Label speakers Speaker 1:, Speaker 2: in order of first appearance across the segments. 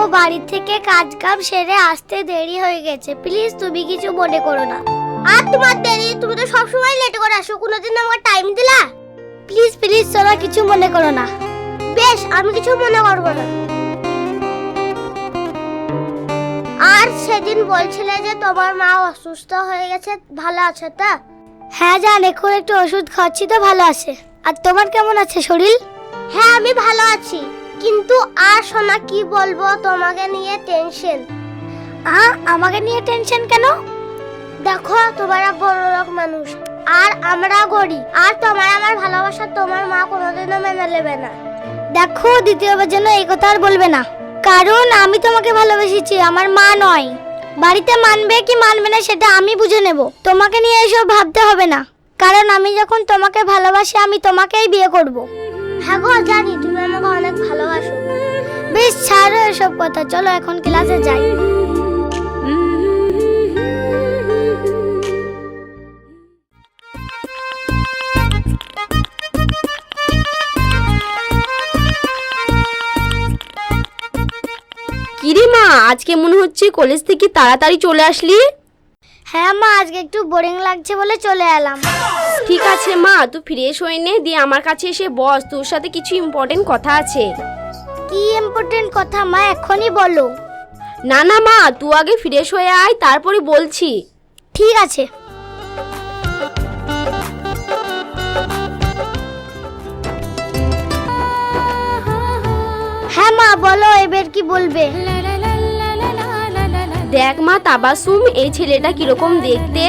Speaker 1: বাড়ি থেকে কাজ কাম সেরে আসতে দেরি হয়ে গেছে, প্লিজ তুমি কিছু মনে করো না। আর তোমার দেরি, তুমি তো সব সময় লেট করে আসো, কোনোদিন আমাকে টাইম দিলা? প্লিজ প্লিজ সোনা, কিছু মনে করো না। বেশ, আমি কিছু মনে করব না। আর সেদিন বলছিলে যে তোমার মা অসুস্থ হয়ে গেছে, ভালো আছে তো? হ্যাঁ জান, এখন একটু ওষুধ খাচ্ছি তো ভালো আছে। আর তোমার কেমন আছে শরীর? হ্যাঁ আমি ভালো আছি, কিন্তু আর সোনা কি বলবো, তোমাকে নিয়ে টেনশন। আমাকে নিয়ে টেনশন কেন? দেখো তোমরা বড় লোক মানুষ আর আমরা গরিব, আর তোমার আমার ভালোবাসা তোমার মা কোনোদিনও মেনে নেবে না। দেখো দ্বিতীয়বার যেন এই কথা আর বলবে না, কারণ আমি তোমাকে ভালোবেসেছি, আমার মা নয়। বাড়িতে মানবে কি মানবে না সেটা আমি বুঝে নেব, তোমাকে নিয়ে এসব ভাবতে হবে না, কারণ আমি যখন তোমাকে ভালোবাসি আমি তোমাকেই বিয়ে করব। হ্যাঁ গো জানি তুমি আমাকে অনেক ভালোবাসো। বেশ ছাড়ো এসব কথা, চলো এখন ক্লাসে যাই।
Speaker 2: কিরে মা, আজকে মনে হচ্ছে কলেজ থেকে তাড়াতাড়ি চলে আসলি?
Speaker 1: হ্যাঁ মা, আজকে একটু বোরিং লাগছে বলে চলে এলাম।
Speaker 2: ঠিক আছে মা, তুই ফ্রেশ হয়ে নে, দিয়ে আমার কাছে এসে বস, তোর সাথে কিছু ইম্পর্টেন্ট কথা আছে।
Speaker 1: কি ইম্পর্টেন্ট কথা মা, এখনই বলো।
Speaker 2: না না মা, তুই আগে ফ্রেশ হয়ে আয়, তারপরে বলছি।
Speaker 1: ঠিক আছে। হ্যাঁ মা বলো, এবার কি বলবে?
Speaker 2: দেখ মা তাবাসুম, এই ছেলেটা কিরকম দেখতে।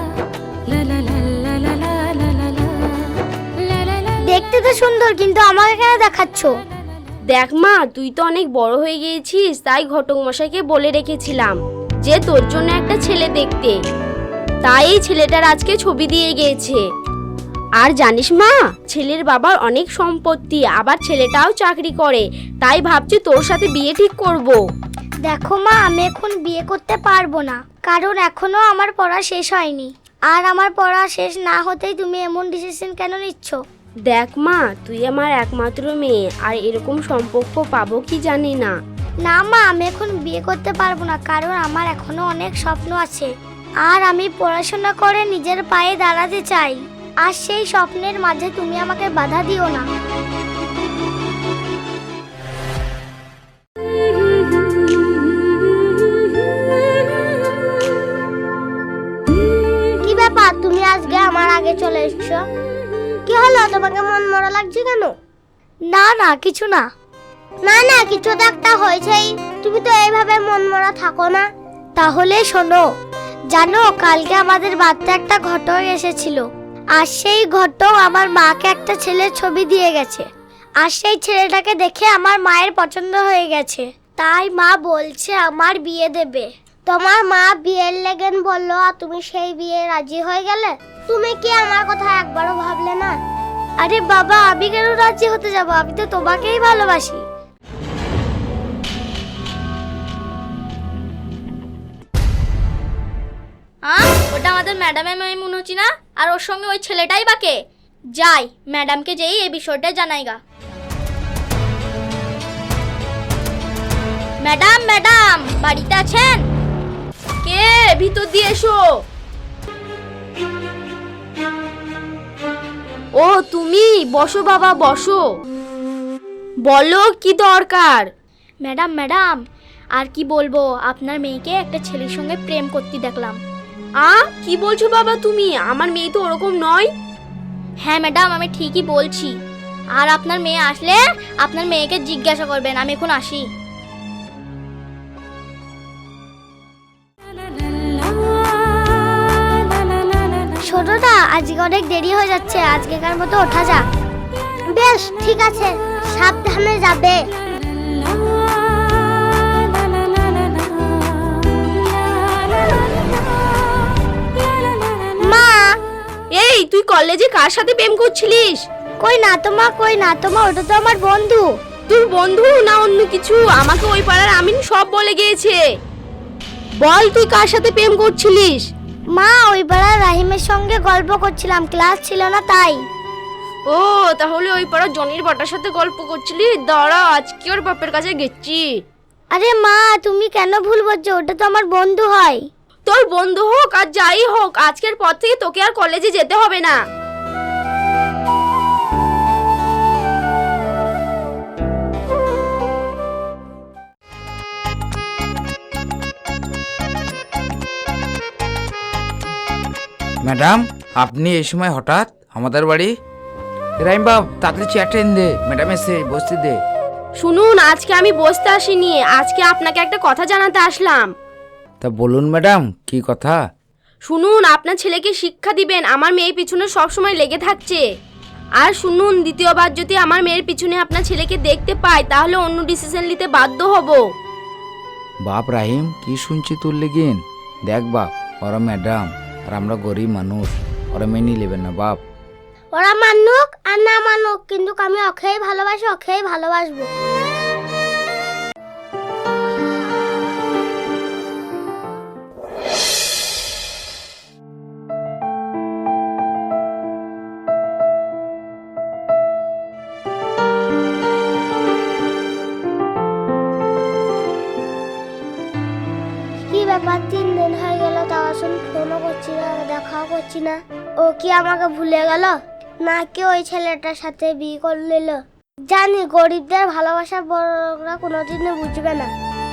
Speaker 1: দেখতে তো সুন্দর, কিন্তু আমাকে কেন দেখাচ্ছ?
Speaker 2: দেখ মা, তুই তো অনেক বড় হয়ে গিয়েছিস, তাই ঘটক মশাইকে বলে রেখেছিলাম যে তোর জন্য একটা ছেলে দেখতে, তাই এই ছেলেটার আজকে ছবি দিয়ে গিয়েছে। আর জানিস মা, ছেলের বাবার অনেক সম্পত্তি, আবার ছেলেটাও চাকরি করে, তাই ভাবছি তোর সাথে বিয়ে ঠিক করব।
Speaker 1: দেখো মা, আমি এখন বিয়ে করতে পারবো না, কারণ এখনো আমার পড়া শেষ হয়নি, আর আমার পড়া শেষ না হতেই তুমি এমন ডিসিশন কেন নিচ্ছ?
Speaker 2: দেখ মা, তুই আমার একমাত্র মেয়ে, আর এরকম সম্পর্ক পাবো কি জানি না।
Speaker 1: না মা, আমি এখন বিয়ে করতে পারবো না, কারণ আমার এখনো অনেক স্বপ্ন আছে, আর আমি পড়াশোনা করে নিজের পায়ে দাঁড়াতে চাই, আর সেই স্বপ্নের মাঝে তুমি আমাকে বাধা দিও না। কি ব্যাপার, তুমি আজকে আমার আগে চলে এসেছো? কি হলো, তোমাকে মন মরা লাগছে কেন? না না কিছু না। না না, কিছু তো একটা হয়েছেই, তুমি তো এইভাবে মন মরা থাকো না। তাহলে শোনো, জানো কালকে আমাদের বাড়িতে একটা ঘটক এসেছিল, আর সেই ঘটক আমার মাকে একটা ছেলের ছবি দিয়ে গেছে, আর সেই ছেলেটাকে দেখে আমার মায়ের পছন্দ হয়ে গেছে, তাই মা বলছে আমার বিয়ে দেবে। তোমার মা বিয়ের লেগেন বললো, আর তুমি সেই বিয়ে রাজি হয়ে গেলে। তুমি কি আমার কথা একবারও ভাবলে না? আরে বাবা, আমি কেন রাজি হতে যাব, আমি তো তোমাকেই ভালোবাসি।
Speaker 3: ওটা আমাদের ম্যাডামের মেয়ে মনে হচ্ছে না, আর ওর সঙ্গে ওই ছেলেটাই বাকে। যাই ম্যাডামকে যেই এই বিষয়টা জানাইগা। ম্যাডাম ম্যাডাম, বাড়িতে আছেন?
Speaker 2: কে? ভিতর দিয়ে এসো। ও তুমি, বসো বাবা বসো, বলো কি দরকার?
Speaker 3: ম্যাডাম ম্যাডাম, আর কি বলবো, আপনার মেয়েকে একটা ছেলের সঙ্গে প্রেম করতে দেখলাম।
Speaker 2: কি বলছো বাবা তুমি? আমার মেয়ে তো ওরকম নয়।
Speaker 3: হ্যাঁ ম্যাডাম, আমি ঠিকই বলছি, আর আপনার মেয়ে আসলে আপনার মেয়েকে জিজ্ঞাসা করবেন। আমি এখন আসি।
Speaker 1: ছোটটা, আজকে অনেক দেরি হয়ে যাচ্ছে, আজকেকার মতো ওঠা যাক। বেশ ঠিক আছে, সাবধানে যাবে। মা,
Speaker 2: এই তুই কলেজে কার সাথে প্রেম করছিলিস?
Speaker 1: কই না তো মা, কই না তো মা, ওটা তো আমার বন্ধু।
Speaker 2: তোর বন্ধু না অন্য কিছু? আমাকে ওই পাড়ার আমিন সব বলে গিয়েছে। বল তুই কার সাথে প্রেম করছিলিস?
Speaker 1: মা, ওই বেলা রাহিমের সঙ্গে গল্প করছিলাম, ক্লাস ছিল না তাই।
Speaker 2: ও তাহলে ওই পাড়া জনির বাটার সাথে গল্প করছিলি? দাঁড়া, আজকে ওর বাপের কাছে গেছি।
Speaker 1: আরে মা, তুমি কেন ভুল বলছো? ওটা তো আমার বন্ধু হয়।
Speaker 2: তোর বন্ধু হোক আর যাই হোক, আজকের পর থেকে তোকে আর কলেজে যেতে হবে না।
Speaker 4: ম্যাডাম, আপনি এই সময় হঠাৎ আমাদের বাড়ি? রাইম বাব, তাড়াতাড়ি চেয়ারটা এনে দে, ম্যাডাম এসে বসতে দে।
Speaker 2: শুনুন, আজকে আমি বসতে আসিনি, আজকে আপনাকে একটা কথা জানাতে আসলাম।
Speaker 4: তা বলুন ম্যাডাম, কি কথা?
Speaker 2: শুনুন, আপনার ছেলেকে শিক্ষা দিবেন, আমার মেয়ের পিছনে সবসময় লেগে থাকছে। আর শুনুন, দ্বিতীয়বার যদি আমার মেয়ের পিছনে আপনার ছেলেকে দেখতে পাই তাহলে অন্য ডিসিশন নিতে বাধ্য হব।
Speaker 4: বাপ রাহিম, কি শুনছি তোর লেগিন? দেখ বাপ, ওরা ম্যাডাম আর আমরা গরিব মানুষ, ওরা মেনে নেবেন না বাপ।
Speaker 1: ওরা মানুক আর না মানুক, কিন্তু আমি ওকেই ভালোবাসি, ওকেই ভালোবাসবো। কি ব্যাপার, 3 দিন হয়ে গেল তাও আসুন, ফোনও করছি না, দেখাও করছি না। ও কি আমাকে ভুলে গেল, নাকি ওই ছেলেটার সাথে বিয়ে করে নিল? জানি গরিবদের ভালোবাসা বড়রা কোনোদিনও বুঝবে না।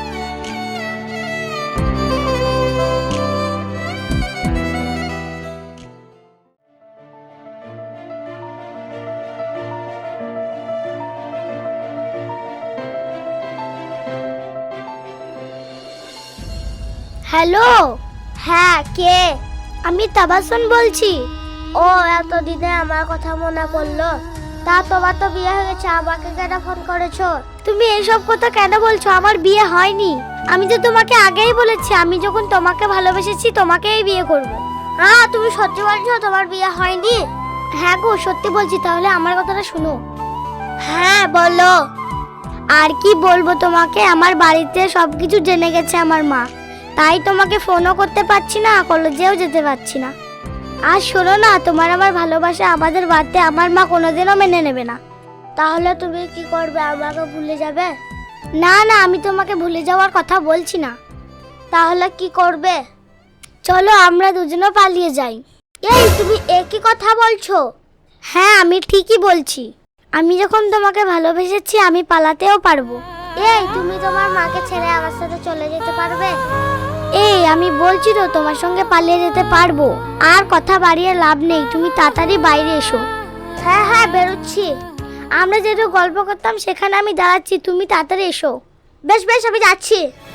Speaker 1: হ্যালো, হ্যাঁ কে? আমি তাবাসসুম বলছি। ও, এতদিনে আমার কথা মনে পড়লো। তা তোমার তো বিয়ে হয়ে গেছে, আমাকে কেন ফোন করেছো? তুমি এইসব কথা কেন বলছো? আমার বিয়ে হয়নি। আমি তো তোমাকে আগেই বলেছি, আমি যখন তোমাকে ভালোবেসেছি তোমাকেই বিয়ে করব। হ্যাঁ, তুমি সত্যি বলছো তোমার বিয়ে হয়নি? হ্যাঁ গো, সত্যি বলছি। তাহলে আমার কথাটা শুনো। হ্যাঁ বলো। আর কি বলবো তোমাকে, আমার বাড়িতে সবকিছু জেনে গেছে আমার মা, তাই তোমাকে ফোনও করতে পারছি না, কলেজেও যেতে পারছি না। আর শোনো না, তোমার আমার ভালোবাসা আমাদের বাড়িতে আমার মা কোনোদিনও মেনে নেবে না। তাহলে তুমি কি করবে? আমাকে ভুলে যাবে? না না, আমি তোমাকে ভুলে যাওয়ার কথা বলছি না। তাহলে কি করবে? চলো আমরা দুজনে পালিয়ে যাই। এই, তুমি একই কথা বলছো? হ্যাঁ, আমি ঠিকই বলছি। আমি যখন তোমাকে ভালোবেসেছি আমি পালাতেও পারবো। এই, তুমি তোমার মাকে ছেড়ে আমার সাথে চলে যেতে পারবে? এই, আমি বলছি তো তোমার সঙ্গে পালিয়ে যেতে পারবো। আর কথা বাড়িয়ে লাভ নেই, তুমি তাড়াতাড়ি বাইরে এসো। হ্যাঁ হ্যাঁ, বেরোচ্ছি। আমরা যেহেতু গল্প করতাম সেখানে আমি দাঁড়াচ্ছি, তুমি তাড়াতাড়ি এসো। বেশ বেশ, আমি যাচ্ছি।